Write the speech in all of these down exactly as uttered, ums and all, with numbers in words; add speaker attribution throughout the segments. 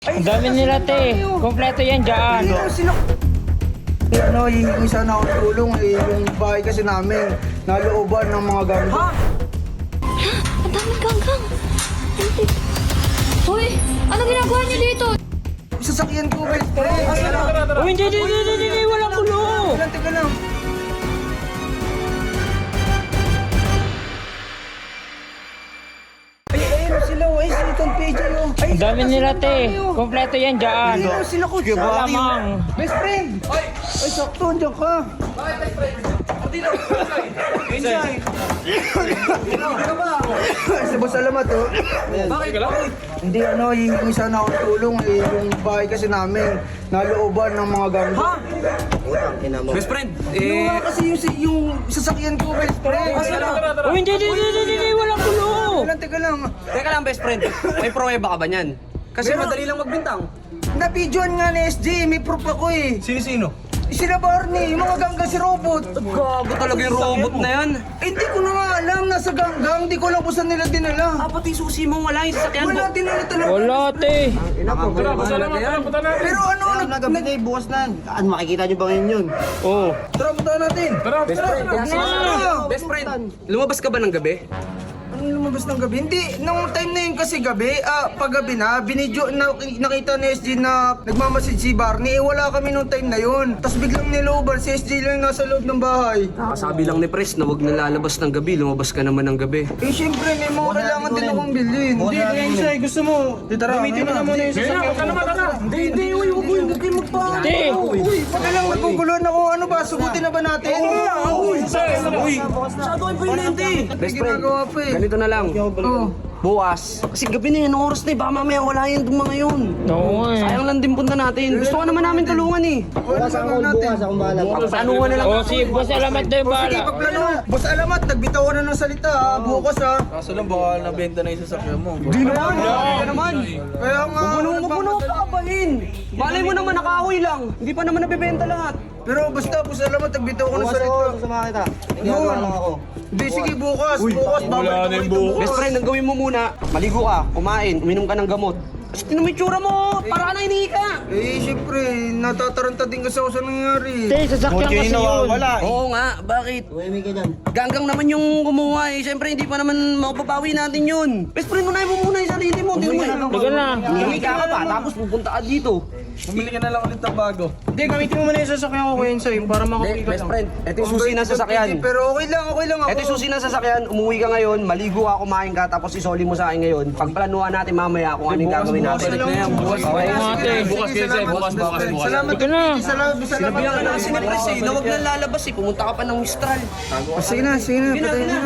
Speaker 1: Ang dami nila, te. Kompleto yan dyan.
Speaker 2: Ano, sino? Eh, ano, hihingi sana ako ng tulong eh. Yung bahay kasi namin, nalooban ng mga gamit.
Speaker 3: Ha? Ang daming ganggang. Hoy, ano ginagawa niyo dito?
Speaker 2: Sasakyan ko, best friend.
Speaker 1: Oh, hindi, hindi, hindi, hindi, hindi, walang kulo.
Speaker 2: Teka lang, teka lang. Ay, ayun sila, oh. Ay, si Little P J, oh. Ay,
Speaker 1: Ang dami nila, te. Kompleto yan dyan.
Speaker 2: Ayun, sila ko.
Speaker 1: Malamang.
Speaker 2: Best friend! Ay, ay sakto, andiyan ka. Bakit, best friend? Dino, Insay. Ano ba? Si Boss Alamat, oh. Bakit? Hindi, ano, hihingi sana ako ng tulong eh. Yung bahay kasi namin, nalooban ng mga gamit.
Speaker 3: Ha?
Speaker 4: Best friend,
Speaker 2: Ano
Speaker 4: eh,
Speaker 2: nga kasi yung, yung sasakyan ko, best friend.
Speaker 1: Oh, hindi, hindi, hindi, hindi, hindi, walang kulo.
Speaker 2: Teka lang, teka lang.
Speaker 4: teka lang best friend, may pruweba ka ba niyan? Kasi
Speaker 2: Meron.
Speaker 4: madali lang magbintang.
Speaker 2: Na-videoan nga ni S J, may proof ako eh.
Speaker 4: Sino-sino?
Speaker 2: Sila Barney, yung mga ganggang si Robot.
Speaker 4: Gago talaga yung robot na yan.
Speaker 2: Eh, hindi ko na nga alam, nasa ganggang, hindi ko alam kung saan nila dinala.
Speaker 4: Ah, pati susi mo wala yung sasakyan mo.
Speaker 2: Wala dinala talaga.
Speaker 1: Wala, te.
Speaker 2: Pero ano, nag...
Speaker 5: Nagabi na eh, bukas na. Ano, makikita nyo ba ngayon yun?
Speaker 1: Oh.
Speaker 2: Tara, punta natin.
Speaker 4: Best friend,
Speaker 2: Tara.
Speaker 4: best friend, lumabas ka ba ng gabi?
Speaker 2: Ano lumabas ng gabi? Hindi, nung time na yun kasi gabi, ah, paggabi na, binidyo, na, nakita ni S J na nagmamasid si Barney, eh wala kami nung time na yun. Tapos biglang niloban, si S J lang nasa loob ng bahay.
Speaker 4: Kasabi lang ni Pres na wag nalalabas ng gabi, lumabas ka naman ng gabi.
Speaker 2: Eh syempre, may mga kailangan din akong bilhin. Hindi, Insay, gusto mo, tara, gamitin mo na muna yung sasakyan ko. Hindi, hindi, uy, huwag mo, huwag kayo magpa...
Speaker 1: Te.
Speaker 2: Uy, pag lang maguguluhan ako, ano ba, sugutin na ba natin? Uy,
Speaker 4: Uy, masyado kayo pinente. Best friend,
Speaker 2: ginagawa pa eh.
Speaker 4: ganito na lang.
Speaker 2: Oh.
Speaker 4: Bukas, kasi gabi na yan, oras na eh, baka mamaya wala yan itong mga yun.
Speaker 1: Oo, eh.
Speaker 4: Sayang lang din punta natin. Gusto ko naman namin tulungan eh.
Speaker 2: Bukas ako, bukas ako bahala.
Speaker 4: Panuhan na lang.
Speaker 1: Oh, si Boss Alamat na yung
Speaker 2: Sige,
Speaker 1: bahala.
Speaker 2: pagplano. Boss Alamat, nagbitaw ka na ng salita ha, bukas ha.
Speaker 6: Kaso lang baka nabenta na yung sasakyan mo.
Speaker 4: Di naman, hindi naman.
Speaker 2: Kaya nga,
Speaker 4: Puno mo, puno pa kapahin. Malay mo naman nakahoy lang. Hindi pa naman nabibenta lahat.
Speaker 2: pero basta, Boss Alamat, nagbitaw ka ng
Speaker 5: Bukas
Speaker 2: salita.
Speaker 5: ako, sasama kita. Nagagawa lang ako.
Speaker 2: Hindi, sige, bukas. Bukas, babalik ako dito bukas.
Speaker 4: Best friend, ang gawin mo muna, maligo ka, kumain, uminom ka ng gamot. Kasi tinan mo yung tsura mo, para ka na hinihika.
Speaker 2: Eh, syempre, natataranta din kasi ako sa nangyari.
Speaker 1: Te, sasakyan kasi yun.
Speaker 4: Oo nga, bakit?
Speaker 5: Uwi ka dyan.
Speaker 4: Ganggang naman yung kumuha eh. Siyempre, hindi pa naman mapapawi natin yun. Best friend, unahin mo muna yung sarili mo. Tingnan mo eh.
Speaker 1: Teka na.
Speaker 4: Hinihika ka pa, tapos pupunta ka dito.
Speaker 6: Bumili ka na lang ulit ng bago.
Speaker 2: Hindi, gamitin mo muna yung sasakyan ko, Kuya Insay, para
Speaker 4: Hindi,
Speaker 2: makapili ka
Speaker 4: best
Speaker 2: lang.
Speaker 4: friend, ito yung susi ng sasakyan.
Speaker 2: Pero okay lang, okay lang ako.
Speaker 4: Ito yung susi ng sasakyan, umuwi ka ngayon, maligo ka, kumain ka, tapos isoli mo sa akin ngayon. Pagplanuhan natin mamaya kung ano yung gagawin natin.
Speaker 6: Bukas
Speaker 1: Okay, mga te.
Speaker 6: Bukas kayo sa'yo, bukas, bukas, bukas.
Speaker 2: Salamat,
Speaker 1: Teka na.
Speaker 2: salamat, salamat.
Speaker 4: Sinabihan ka na kasi ni Pres eh, na huwag nang lalabas eh, pumunta ka pa ng Mistral.
Speaker 2: Oh, sige na, sige na, patayin na.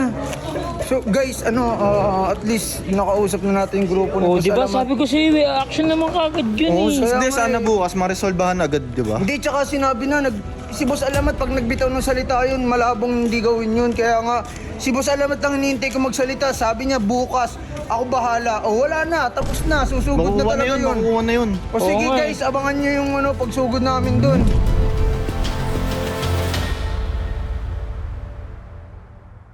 Speaker 2: So guys, ano, ah, at least nakausap na natin yung grupo
Speaker 1: Oh,
Speaker 2: Boss
Speaker 1: di ba
Speaker 2: Alamat.
Speaker 1: sabi ko sa iyo, eh, action naman kagad yun
Speaker 2: Oo,
Speaker 1: eh.
Speaker 2: kaya
Speaker 6: Hindi,
Speaker 2: nga
Speaker 6: sana
Speaker 2: eh.
Speaker 6: bukas maresolbahan agad, di ba?
Speaker 2: Hindi, tsaka sinabi na, nag, si Boss Alamat pag nagbitaw ng salita yun, malabong hindi gawin yun. Kaya nga, si Boss Alamat lang hinihintay ko magsalita. Sabi niya, bukas, ako bahala. O wala na, tapos na, susugod na
Speaker 6: Makukuha na
Speaker 2: talaga
Speaker 6: yun,
Speaker 2: yun.
Speaker 6: makukuha na yun.
Speaker 2: O sige
Speaker 1: Oo nga eh.
Speaker 2: guys, abangan nyo yung ano, pagsugod namin dun.